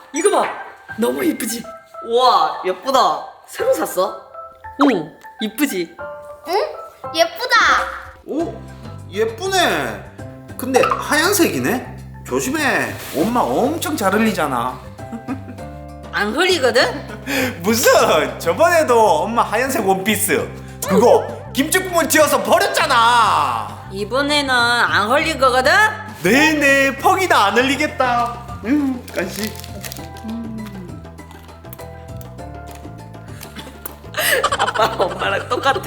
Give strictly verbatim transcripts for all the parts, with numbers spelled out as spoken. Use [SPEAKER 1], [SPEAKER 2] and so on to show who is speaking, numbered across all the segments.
[SPEAKER 1] 이거 봐. 너무 이쁘지?
[SPEAKER 2] 우와 예쁘다. 새로 샀어?
[SPEAKER 1] 응, 이쁘지?
[SPEAKER 3] 응? 예쁘다.
[SPEAKER 4] 오, 예쁘네. 근데 하얀색이네. 조심해. 엄마 엄청 잘 흘리잖아.
[SPEAKER 1] 안 흘리거든?
[SPEAKER 4] 무슨 저번에도 엄마 하얀색 원피스 그거 김치국물 튀어서 버렸잖아.
[SPEAKER 1] 이번에는 안 흘릴 거거든?
[SPEAKER 4] 네네, 퍽이다. 안 흘리겠다. 음, 간식.
[SPEAKER 2] 아빠랑 엄마랑 똑같아.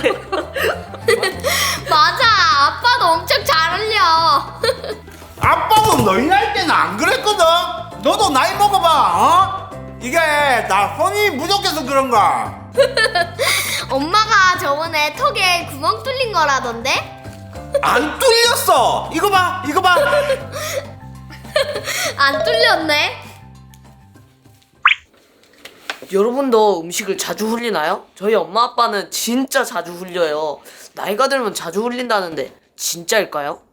[SPEAKER 3] 맞아. 아빠도 엄청 잘 흘려.
[SPEAKER 4] 아빠도 너희 나이 때는 안 그랬거든. 너도 나이 먹어봐. 어? 이게 나 손이 부족해서 그런가.
[SPEAKER 3] 엄마가 저번에 턱에 구멍 뚫린 거라던데?
[SPEAKER 4] 안 뚫렸어. 이거 봐, 이거 봐.
[SPEAKER 3] 안 뚫렸네.
[SPEAKER 2] 여러분도 음식을 자주 흘리나요? 저희 엄마 아빠는 진짜 자주 흘려요. 나이가 들면 자주 흘린다는데 진짜일까요?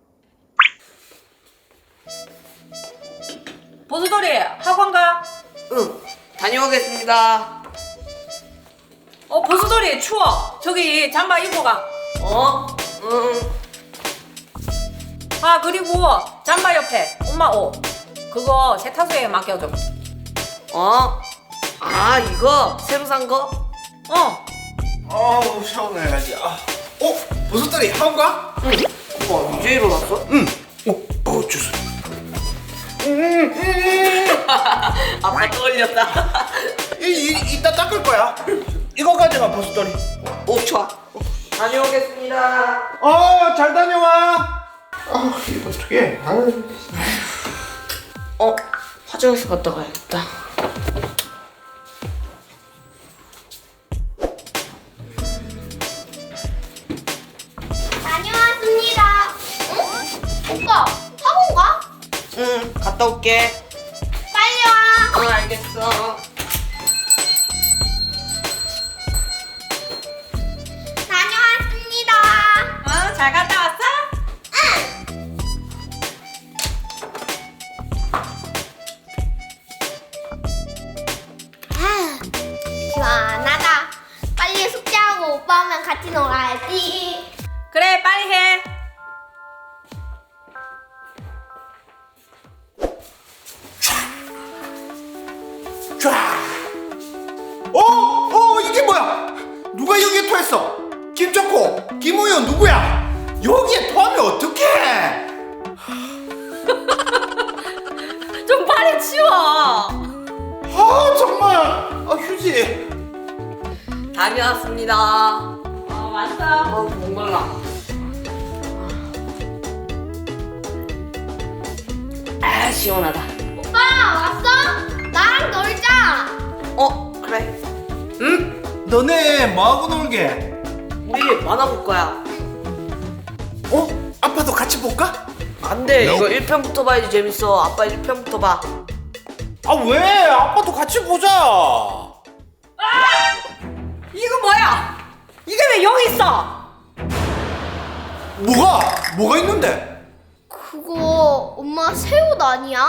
[SPEAKER 1] 보수돌이 학원 가?
[SPEAKER 2] 응, 다녀오겠습니다.
[SPEAKER 1] 어, 보수돌이 추워. 저기 잠바 입고 가.
[SPEAKER 2] 어? 응.
[SPEAKER 1] 아, 그리고 잠바 옆에 엄마 옷 그거 세탁소에 맡겨줘.
[SPEAKER 2] 어? 아 이거 새로 산 거?
[SPEAKER 1] 어.
[SPEAKER 4] 어우, 시원해가지. 아. 어? 버섯다리 학원 가?
[SPEAKER 2] 응. 와 이제 일어났어?
[SPEAKER 4] 응. 어, 어, 주스.
[SPEAKER 2] 아빠 떠올렸다.
[SPEAKER 4] 이, 이, 이따 닦을 거야. 이거 가져가, 버섯다리.
[SPEAKER 2] 오 좋아. 다녀오겠습니다.
[SPEAKER 4] 어, 잘 다녀와. 아, 이거 어떡해. 아유.
[SPEAKER 2] 어? 화장실 갔다 가야겠다.
[SPEAKER 3] 다녀왔습니다. 응? 오빠, 학원 가?
[SPEAKER 2] 응 갔다 올게.
[SPEAKER 3] 빨리 와.
[SPEAKER 2] 응 알겠어.
[SPEAKER 3] 다녀왔습니다.
[SPEAKER 1] 어, 잘 갔다 왔어?
[SPEAKER 3] 아, 시원하다. 빨리 숙제하고 오빠 오면 같이 놀아야지.
[SPEAKER 1] 그래, 빨리 해.
[SPEAKER 4] 쫙. 어? 어, 이게 뭐야? 누가 여기에 토했어? 김초코, 김우현 누구야? 여기에 토하면 어떡해?
[SPEAKER 1] 좀 빨리 치워.
[SPEAKER 4] 아, 정말. 아, 휴지.
[SPEAKER 2] 다녀왔습니다.
[SPEAKER 1] 어, 왔어.
[SPEAKER 2] 아 목말라. 아 시원하다.
[SPEAKER 3] 오빠 왔어? 나랑 놀자.
[SPEAKER 2] 어 그래.
[SPEAKER 4] 응? 너네 뭐하고 놀게?
[SPEAKER 2] 우리 만화 볼 거야.
[SPEAKER 4] 어? 아빠도 같이 볼까?
[SPEAKER 2] 안돼 이거 일 편부터 봐야지 재밌어. 아빠 일 편부터 봐.
[SPEAKER 4] 아, 왜? 아빠도 같이 보자.
[SPEAKER 1] 이거 뭐야? 이게 왜 여기 있어?
[SPEAKER 4] 뭐가? 뭐가 있는데?
[SPEAKER 3] 그거 엄마 새 옷 아니야?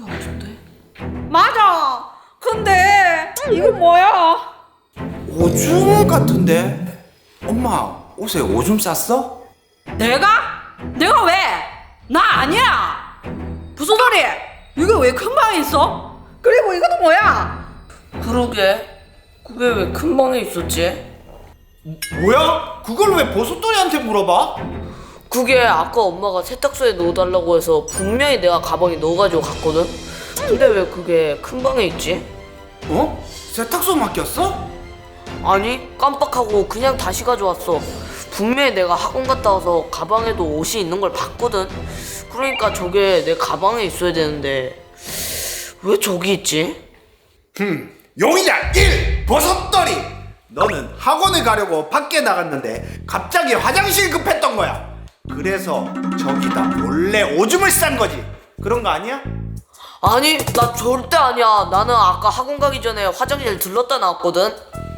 [SPEAKER 1] 맞아. 근데 이거 뭐야?
[SPEAKER 4] 오줌 같은데? 엄마, 옷에 오줌 쌌어?
[SPEAKER 1] 내가? 내가 왜? 나 아니야. 무슨 소리? 이게 왜 큰 방에 있어? 그리고 이것도 뭐야?
[SPEAKER 2] 그러게. 그게 왜 큰 방에 있었지?
[SPEAKER 4] 뭐야? 그걸 왜 버섯돌이한테 물어봐?
[SPEAKER 2] 그게 아까 엄마가 세탁소에 넣어달라고 해서 분명히 내가 가방에 넣어가지고 갔거든? 근데 왜 그게 큰 방에 있지?
[SPEAKER 4] 어? 세탁소 맡겼어?
[SPEAKER 2] 아니 깜빡하고 그냥 다시 가져왔어. 분명히 내가 학원 갔다 와서 가방에도 옷이 있는 걸 봤거든. 그러니까 저게 내 가방에 있어야 되는데 왜 저기 있지?
[SPEAKER 4] 흠, 용의자 일! 버섯돌이! 너는 학원에 가려고 밖에 나갔는데 갑자기 화장실 급했던 거야. 그래서 저기다 몰래 오줌을 싼 거지. 그런 거 아니야?
[SPEAKER 2] 아니 나 절대 아니야. 나는 아까 학원 가기 전에 화장실 들렀다 나왔거든.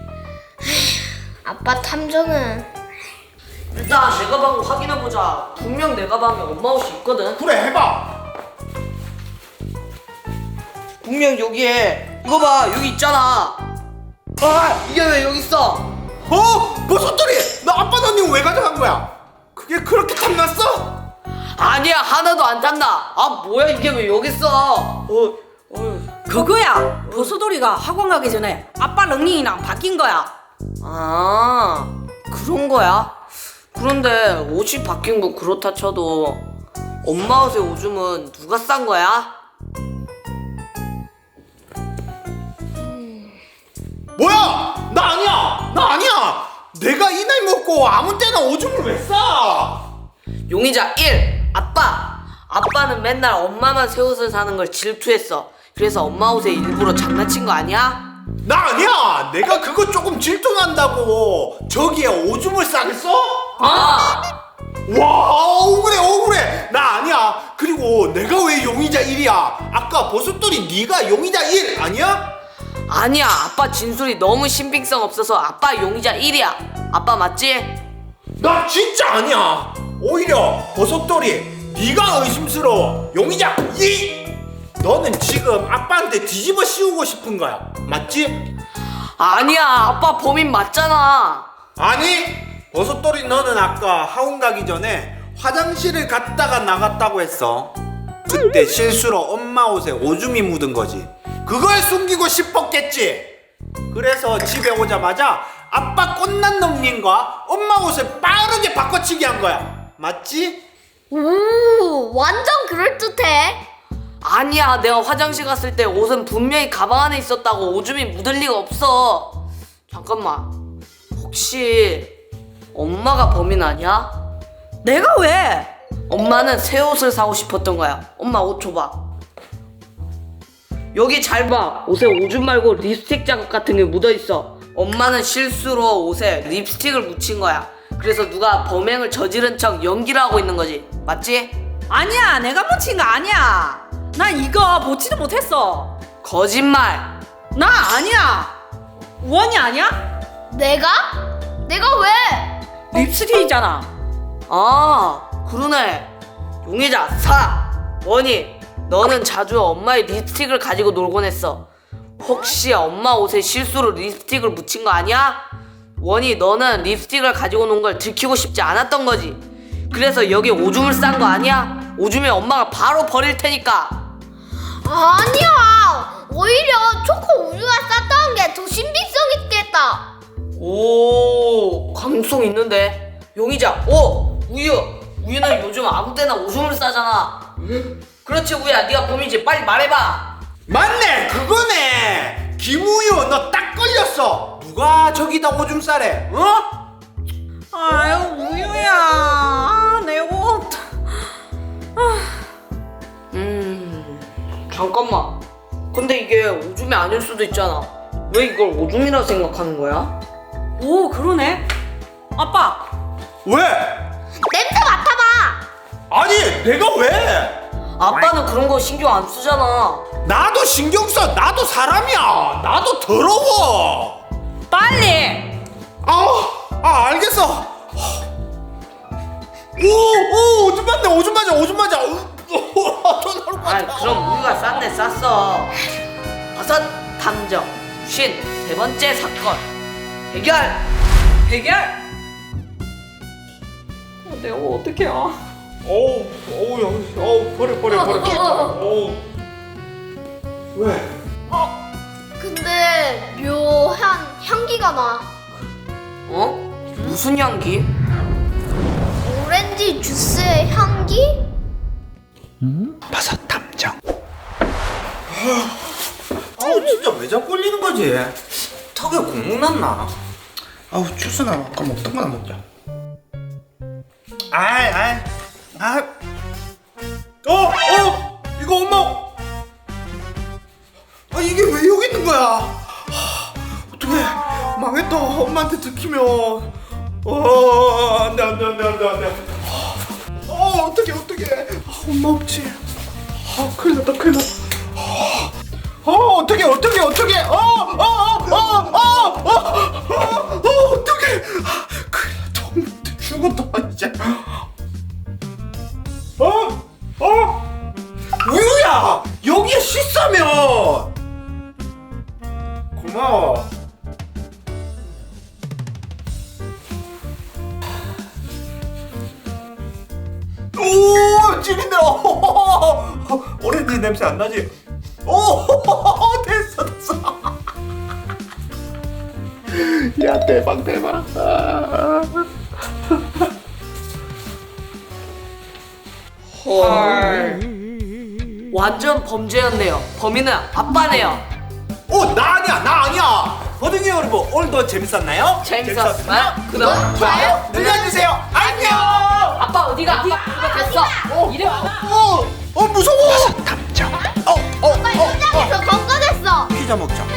[SPEAKER 3] 아빠 탐정은
[SPEAKER 2] 일단 내 가방 확인해보자. 분명 내 가방에 엄마 옷이 있거든.
[SPEAKER 4] 그래, 해봐.
[SPEAKER 2] 분명 여기에 이거 봐 여기 있잖아. 아 이게 왜 여기 있어?
[SPEAKER 4] 어? 버섯돌이! 너 아빠 넌 왜 가져간 거야? 그게 그렇게 탐났어?
[SPEAKER 2] 아니야 하나도 안 탔나. 아 뭐야 이게 왜 여기 있어? 어, 어.
[SPEAKER 1] 그거야. 보소돌이가 학원 가기 전에 아빠 런닝이랑 바뀐 거야.
[SPEAKER 2] 아 그런 거야? 그런데 옷이 바뀐 건 그렇다 쳐도 엄마 옷의 오줌은 누가 싼 거야?
[SPEAKER 4] 뭐야? 나 아니야! 나 아니야! 내가 이 나이 먹고 아무 때나 오줌을 왜 싸?
[SPEAKER 2] 용의자 일 아빠. 아빠는 맨날 엄마만 새 옷을 사는 걸 질투했어. 그래서 엄마 옷에 일부러 장난친 거 아니야?
[SPEAKER 4] 나 아니야! 내가 그거 조금 질투난다고 저기에 오줌을 싸겠어?
[SPEAKER 2] 아!
[SPEAKER 4] 와 억울해 억울해! 나 아니야! 그리고 내가 왜 용의자 일이야? 아까 버섯돌이 네가 용의자 일 아니야?
[SPEAKER 2] 아니야 아빠 진술이 너무 신빙성 없어서 아빠 용의자 일이야. 아빠 맞지?
[SPEAKER 4] 나 진짜 아니야! 오히려 버섯돌이 네가 의심스러워! 용의자 이! 너는 지금 아빠한테 뒤집어 씌우고 싶은 거야 맞지?
[SPEAKER 2] 아니야 아빠 범인 맞잖아.
[SPEAKER 4] 아니! 버섯돌이 너는 아까 학원 가기 전에 화장실을 갔다가 나갔다고 했어. 그때 실수로 엄마 옷에 오줌이 묻은 거지. 그걸 숨기고 싶었겠지. 그래서 집에 오자마자 아빠 꽃난 놈님과 엄마 옷을 빠르게 바꿔치기 한 거야. 맞지?
[SPEAKER 3] 오, 완전 그럴듯해.
[SPEAKER 2] 아니야 내가 화장실 갔을 때 옷은 분명히 가방 안에 있었다고. 오줌이 묻을 리가 없어. 잠깐만 혹시 엄마가 범인 아니야?
[SPEAKER 1] 내가 왜?
[SPEAKER 2] 엄마는 새 옷을 사고 싶었던 거야. 엄마 옷 줘봐. 여기 잘 봐. 옷에 오줌 말고 립스틱 자국 같은 게 묻어있어. 엄마는 실수로 옷에 립스틱을 묻힌 거야. 그래서 누가 범행을 저지른 척 연기를 하고 있는 거지. 맞지?
[SPEAKER 1] 아니야, 내가 묻힌 거 아니야. 나 이거 보지도 못했어.
[SPEAKER 2] 거짓말.
[SPEAKER 1] 나 아니야. 원이 아니야?
[SPEAKER 3] 내가? 내가 왜?
[SPEAKER 1] 립스틱이잖아.
[SPEAKER 2] 아 그러네. 용의자 사 원희 너는 자주 엄마의 립스틱을 가지고 놀곤 했어. 혹시 엄마 옷에 실수로 립스틱을 묻힌 거 아니야? 원희 너는 립스틱을 가지고 논 걸 들키고 싶지 않았던 거지. 그래서 여기 오줌을 싼 거 아니야? 오줌에 엄마가 바로 버릴 테니까.
[SPEAKER 3] 아니야. 오히려 초코 우유가 쌌다는 게 더 신빙성 있겠다.
[SPEAKER 2] 오 감성 있는데. 용의자 오 우유. 우유는 요즘 아무 때나 오줌을 싸잖아. 그렇지 우유야 네가 범인이지. 빨리 말해봐.
[SPEAKER 4] 맞네 그거네. 김우유 너 딱 걸렸어. 누가 저기다 오줌 싸래? 어?
[SPEAKER 1] 아유, 우유야. 아, 내 옷.
[SPEAKER 2] 음 잠깐만. 근데 이게 오줌이 아닐 수도 있잖아. 왜 이걸 오줌이라 생각하는 거야?
[SPEAKER 1] 오, 그러네. 아빠,
[SPEAKER 4] 왜?
[SPEAKER 3] 냄새 맡아봐.
[SPEAKER 4] 아니 내가 왜?
[SPEAKER 2] 아빠는 그런 거 신경 안 쓰잖아.
[SPEAKER 4] 나도 신경 써. 나도 사람이야. 나도 더러워.
[SPEAKER 1] 빨리.
[SPEAKER 4] 아, 아 알겠어. 오, 오, 오줌 맞네, 오줌 맞아, 오줌 맞아. 돈
[SPEAKER 2] 아이 그럼 우리가 쌌네 쌌어. 버섯 탐정 쉰 세 번째 사건 해결.
[SPEAKER 1] 해결. 어, 내가 어떻게 해?
[SPEAKER 4] 어우, 어우, 야, 어우, 버려, 버려, 버려. 어우. 왜?
[SPEAKER 3] 근데 묘한 향기가 나.
[SPEAKER 2] 어? 무슨 향기?
[SPEAKER 3] 오렌지 주스의 향기?
[SPEAKER 4] 버섯 탐정. 아우, 진짜 왜 자꾸 걸리는 거지? 턱에 국물 났나? 아우, 주스나 아까 먹던 거나 먹자. 아이, 아이, 아, 어, 어, 이거 엄마. 아, 이게 왜 여기 있는 거야? 하, 어떡해, 망했다. 엄마한테 들키면. 어, 안돼, 안돼, 안돼, 안돼, 안돼. 어, 어떡해, 어떡해. 아, 엄마 없지. 아, 큰일 났다, 큰일 났다. 어, 어떡해, 어떡해, 어떡해. 어, 어, 어, 어, 어, 어, 어, 어, 어떡해. 아, 큰일 났다. 엄마한테 죽었다, 이제. 어? 어? 우유야! 여기에 씻어 진짜면. 고마워. 오, 찌린다. 오렌지 냄새 안 나지? 오, 됐어, 됐어. 야, 대박, 대박.
[SPEAKER 2] 헐. 완전 범죄였네요. 범인은 아빠네요.
[SPEAKER 4] 오, 나 아니야, 나 아니야. 버둥이 여러분, 오늘도 재밌었나요?
[SPEAKER 2] 재밌었어요? 구독,
[SPEAKER 4] 좋아요 눌러주세요. 안녕.
[SPEAKER 2] 아빠 어디가? 아빠 아빠 됐어. 이래 와.
[SPEAKER 4] 어, 어 무서워. 탐정. 어, 어,
[SPEAKER 3] 빨리 현장에서 건강했어.
[SPEAKER 4] 피자 먹자.